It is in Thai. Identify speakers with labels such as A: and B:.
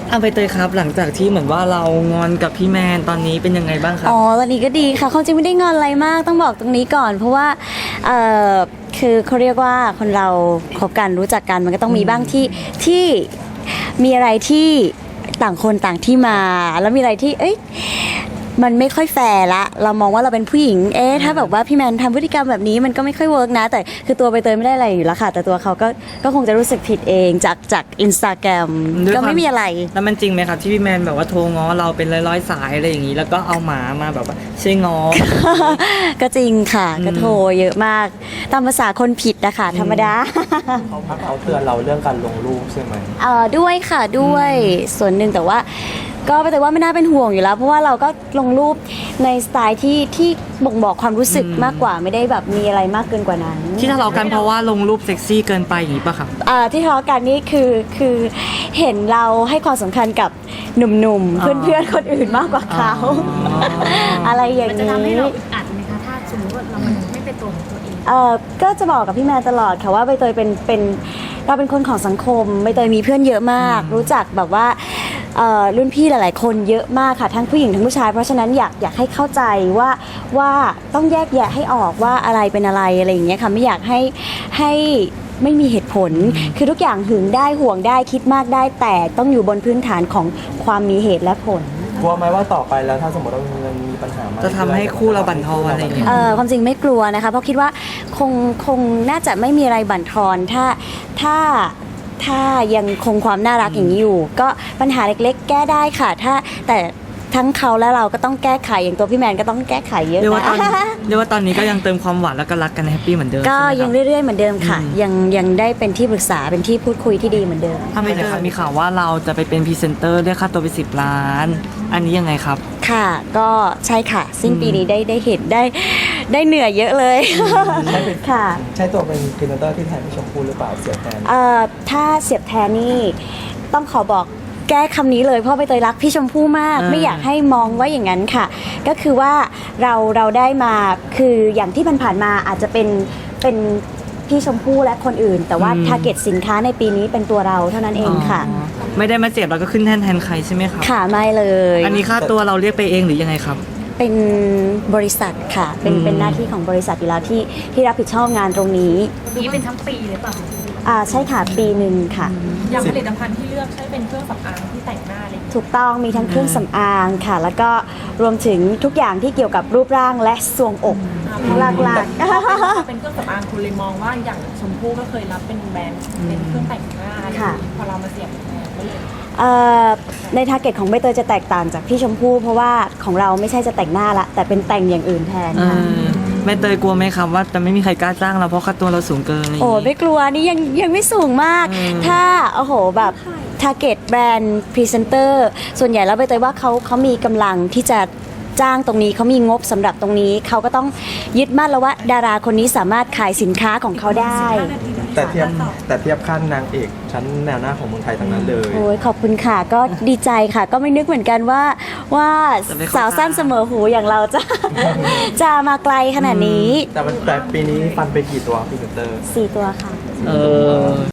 A: เอาไปเตยครับหลังจากที่เหมือนว่าเรางอนกับพี่แมนตอนนี้เป็นยังไงบ้างครับ
B: อ๋อตอนนี้ก็ดีค่ะเขาจริงไม่ได้งอนอะไรมากต้องบอกตรงนี้ก่อน เพราะว่าเอ่อคือเขาเรียกว่าคนเราคบกันรู้จักกันมันก็ต้องมีบ้างที่มีอะไรที่ต่างคนต่างที่มาแล้วมีอะไรที่มันไม่ค่อยแฟร์ละเรามองว่าเราเป็นผู้หญิงถ้าแบบว่าพี่แมนทำพฤติกรรมแบบนี้มันก็ไม่ค่อยเวิร์กนะแต่คือตัวใบเตยไม่ได้อะไรอยู่แล้วค่ะแต่ตัวเขาก็คงจะรู้สึกผิดเองจากอินสตาแกรมก็ไม่มีอะไร
A: แล้วมันจริงไหมครับที่พี่แมนแบบว่าโทรง้อเราเป็นร้อยๆสายอะไรอย่างนี้แล้วก็เอาหมามาแบบว่าช่วยง้อ
B: ก็จริงค่ะก็โทรเยอะมากตามภาษาคนผิดนะคะธรรมดา
C: เขาเตือนเราเรื่องการลงรูปใช่ไหม
B: ด้วยค่ะด้วยส่วนหนึ่งแต่ว่าก็แต่ว่าไม่น่าเป็นห่วงอยู่แล้วเพราะว่าเราก็ลงรูปในสไตล์ที่บ่งบอกความรู้สึกมากกว่าไม่ได้แบบมีอะไรมากเกินกว่านั้น
A: ที่ทะเลาะกันเพราะว่าลงรูปเซ็กซี่เกินไปอย่างนี้ป่ะครับ
B: ที่ทะเลาะกันนี่คือเห็นเราให้ความสำคัญกับหนุ่มๆ
A: อ๋อ
B: เพื่อนๆคนอื่นมากกว่าเขาอะไรอย่าง
D: มันจะ
B: นี้
D: ทำให้เราอึดอัดไหมคะถ้าสมมติว่าเราไม่เป็นตัวของตัวเอง
B: ก็จะบอกกับพี่แมนตลอดค่ะว่าใบเตยเป็นเราเป็นคนของสังคมใบเตยมีเพื่อนเยอะมาก รู้จักแบบว่ารุ่นพี่หลายๆคนเยอะมากค่ะทั้งผู้หญิงทั้งผู้ชายเพราะฉะนั้นอยากให้เข้าใจว่าต้องแยกแยะให้ออกว่าอะไรเป็นอะไรอะไรอย่างเงี้ยค่ะไม่อยากให้ไม่มีเหตุผล คือทุกอย่างหึงได้ห่วงได้คิดมากได้แต่ต้องอยู่บนพื้นฐานของความมีเหตุและผล
C: กลัวไหมว่าต่อไปแล้วถ้าสมมติว่ามันมีปัญหามา
A: จะทำให้คู่เราบั่นทอนอะไรอย่างเงี้ย
B: ความจริงไม่กลัวนะคะเพราะคิดว่าคงน่าจะไม่มีอะไรบั่นทอนถ้ายังคงความน่ารักอย่างนี้อยู่ ก็ปัญหาเล็กๆ แก้ได้ค่ะแต่ทั้งเขาและเราก็ต้องแก้ไขอย่างตัวพี่แมนก็ต้องแก้ไขเยอะ
A: เรียกว่าตอน
B: นะ
A: เรียกว่าตอนนี้ก็ยังเติมความหวานแล้วก็รักกันแฮปปี้เหมือนเดิม
B: ก็
A: ใช่ไหม
B: ยัง
A: ครับ
B: เรื่อยๆเหมือนเดิมค่ะยังได้เป็นที่ปรึกษาเป็นที่พูดคุยที่ดีเหมือนเดิม
A: ถ้าไม่เจอมีข่าวว่าเราจะไปเป็นพรีเซนเตอร์ได้ค่าตัวไป10 ล้าน อันนี้ยังไงครับ
B: ค่ะก็ใช่ค่ะสิ้นปีนี้ได้เห็นได้เหนื่อยเยอะเลยค่ะ
C: ใช้ตัวเป็นพรีเซนเตอร์ที่แทนพี่ชมพู่หรือเปล่าเสียแทน
B: ถ้าเสียบแทนนี่ต้องขอบอกแก้คำนี้เลยเพราะใบเตยรักพี่ชมพู่มาก ไม่อยากให้มองว่าอย่างนั้นค่ะ ก็คือว่าเราได้มาคืออย่างที่ผ่านๆมาอาจจะเป็นพี่ชมพู่และคนอื่น แต่ว่าทาร์เก็ตสินค้าในปีนี้เป็นตัวเราเท่านั้นเองค่ะ
A: อ๋อไม่ได้มาเจ็บแล้วก็ขึ้นแทนใครใช่ไหมครับ
B: ค่ะไม่เลย
A: อันนี้ค่าตัวเราเรียกไปเองหรือยังไงครับ
B: เป็นบริษัทค่ะเป็นหน้าที่ของบริษัทอยู่แล้วที่รับผิดชอบงานตรงนี้
D: นี้เป็นทั้งปีเลยเปล่า
B: ใช่ค่ะปีหนึ่งค่ะ
D: อย่างผลิตภัณฑ์ที่เลือกใช้เป็นเครื่องสำอางที่แต่งหน้าเลย
B: ถูกต้องมีทั้งเครื่องสำอางค่ะ แล้วก็รวมถึงทุกอย่างที่เกี่ยวกับรูปร่างและทรวงอกหลัก
D: เป็นเครื่องสำอางคุณเลยมองว่าอย่างชมพู่ก็เคยรับเป็นแบรนด์เป็นเครื่องแต่งหน้าอะไรอย่างนี้พอเรามาเสียบแทนก็เลย
B: ๆในทาร์เก็ตของใบเตยจะแตกต่างจากพี่ชมพู่เพราะว่าของเราไม่ใช่จะแต่งหน้าละแต่เป็นแต่งอย่างอื่นแทนค่ะ
A: แม่เตยกลัวไหมครับว่าจะไม่มีใครกล้าจ้างเราเพราะค่าตัวเราสูงเกินอะไรอย่าง
B: โอ้
A: งี้
B: ไม่กลัวนี่ยังไม่สูงมาก ถ้าโอ้โหแบบทาร์เก็ตแบรนด์พรีเซนเตอร์ส่วนใหญ่แล้วใบเตยว่าเขามีกำลังที่จะจ้างตรงนี้เขามีงบสำหรับตรงนี้เขาก็ต้องยึดมั่นแล้วว่าดาราคนนี้สามารถขายสินค้าของเขาได้
C: แต่เทียบขั้นนางเอกชั้นแนวหน้าของเมืองไทยทั้งนั้นเลย
B: โอ้ยขอบคุณค่ะก็ดีใจค่ะ ก็ไม่นึกเหมือนกันว่าสาวสั้นเสมอหูอย่างเราจะมาไกลขนาดนี้
C: แต่ปีนี้ฟันไปกี่ตัวพรีเซนเตอร์
B: 4 ตัวค่ะ
A: เออ